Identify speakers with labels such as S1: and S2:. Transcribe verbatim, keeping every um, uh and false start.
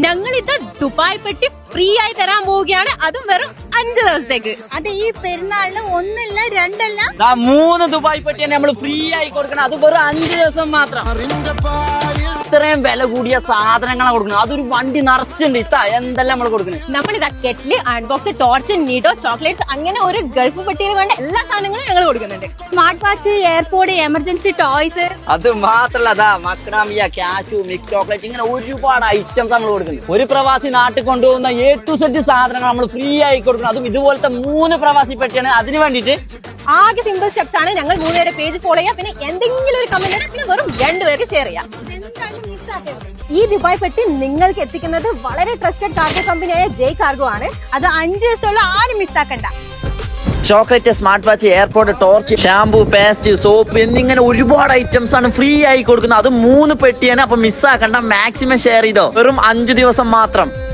S1: ഞങ്ങൾ ഇത് ദുബായ് പെട്ടി ഫ്രീ ആയി തരാൻ പോവുകയാണ്, അതും വെറും അഞ്ച് ദിവസത്തേക്ക്.
S2: അത് ഈ പെരുന്നാളിന് ഒന്നല്ല രണ്ടല്ല
S3: മൂന്ന് ദുബായ് പെട്ടിയാണ് നമ്മൾ ഫ്രീ ആയി കൊടുക്കണം, അത് വെറും അഞ്ച് ദിവസം മാത്രം. ഇത്രയും വില കൂടിയ സാധനങ്ങളാണ് കൊടുക്കുന്നത്, അതൊരു വണ്ടി നിറച്ചുണ്ട്. ഇത്ത എന്തെല്ലാം നമ്മൾ കൊടുക്കുന്നത്.
S1: നമ്മളിതാ kettle, unbox, torch, Nido, chocolates, അങ്ങനെ ഒരു ഗൾഫ് പെട്ടിയിൽ വേണ്ട എല്ലാ സാധനങ്ങളും ഞങ്ങൾ കൊടുക്കുന്നുണ്ട്.
S2: Smart watch, airport, emergency toys,
S3: അത് മാത്രല്ല അതാ മക്രാമിയ, കാഷു, മിക്സ് ചോക്ലേറ്റ്, ഇങ്ങനെ ഒരുപാട് ഐറ്റംസ് നമ്മൾ കൊടുക്കുന്നത്. ഒരു പ്രവാസി നാട്ടിൽ കൊണ്ടുപോകുന്ന എ ടു സെറ്റ് സാധനങ്ങൾ നമ്മൾ ഫ്രീ ആയി കൊടുക്കുന്നത്, അതും ഇതുപോലത്തെ മൂന്ന് പ്രവാസി പെട്ടിയാണ്. അതിന് വേണ്ടിയിട്ട്
S1: ആകെ സിമ്പിൾ സ്റ്റെപ്സ് ആണ്. ഞങ്ങൾ മൂന്നുപേരുടെ പേജ് ഫോളോ ചെയ്യാം, പിന്നെ എന്തെങ്കിലും ഒരു കമന്റ് ഇടാം, പിന്നെ വെറും രണ്ടുപേർക്ക് ഷെയർ ചെയ്യാം. ഈ ദുബായ് പെട്ടി നിങ്ങൾക്ക് എത്തിക്കുന്നത് വളരെ ട്രസ്റ്റഡ് കാർഗോ കമ്പനിയായ ജയ് കാർഗോ ആണ്.
S2: അത് അഞ്ച് ദിവസമുള്ള ആരും മിസ്സാക്കണ്ട.
S3: Chocolate, smart watch, airport, torch, shampoo, paste, soap എന്നിങ്ങനെ ഒരുപാട് ഐറ്റംസ് ആണ് ഫ്രീ ആയി കൊടുക്കുന്നത്. അത് മൂന്ന് പെട്ടിയാണ്. അപ്പൊ മിസ്സാക്കണ്ട, മാക്സിമം ഷെയർ ചെയ്തോ. വെറും അഞ്ചു ദിവസം മാത്രം.